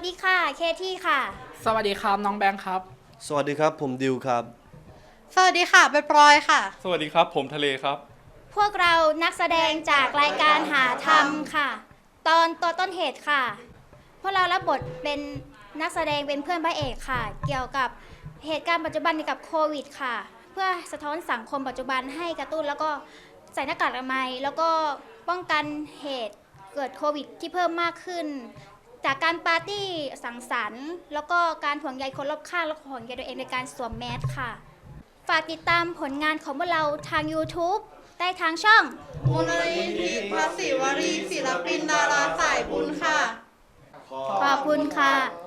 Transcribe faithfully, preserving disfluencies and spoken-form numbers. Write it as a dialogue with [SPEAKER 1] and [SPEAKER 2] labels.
[SPEAKER 1] ดีค่ะเคที่ค่ะ
[SPEAKER 2] สวัสดีครับน้องแบงค์ครับ
[SPEAKER 3] สวัสดีครับผมดิวครับ
[SPEAKER 4] สวัสดีค่ะใบปลอยค่ะ
[SPEAKER 5] สวัสดีครับผมทะเลครับ
[SPEAKER 1] พวกเรานักแสดงจากรายการหาธรรมค่ะตอนตัวต้นเหตุค่ะพวกเรารับบทเป็นนักแสดงเป็นเพื่อนพระเอกค่ะเกี่ยวกับเหตุการณ์ปัจจุบันเกี่ยวกับโควิดค่ะเพื่อสะท้อนสังคมปัจจุบันให้กระตุ้นแล้วก็ใส่หน้ากากอนามัยแล้วก็ป้องกันเหตุเกิดโควิดที่เพิ่มมากขึ้นจากการปาร์ตี้สังสรรค์แล้วก็การห่วงใยคนรอบข้างและห่วงใยตัวเองในการสวมแมสค่ะฝากติดตามผลงานของพวกเราทาง YouTube ได้ทางช่อง
[SPEAKER 4] มูลนิธิพระศิวรีศิลปินดาราสายบุญค่ะ
[SPEAKER 1] ขอบคุณค่ะ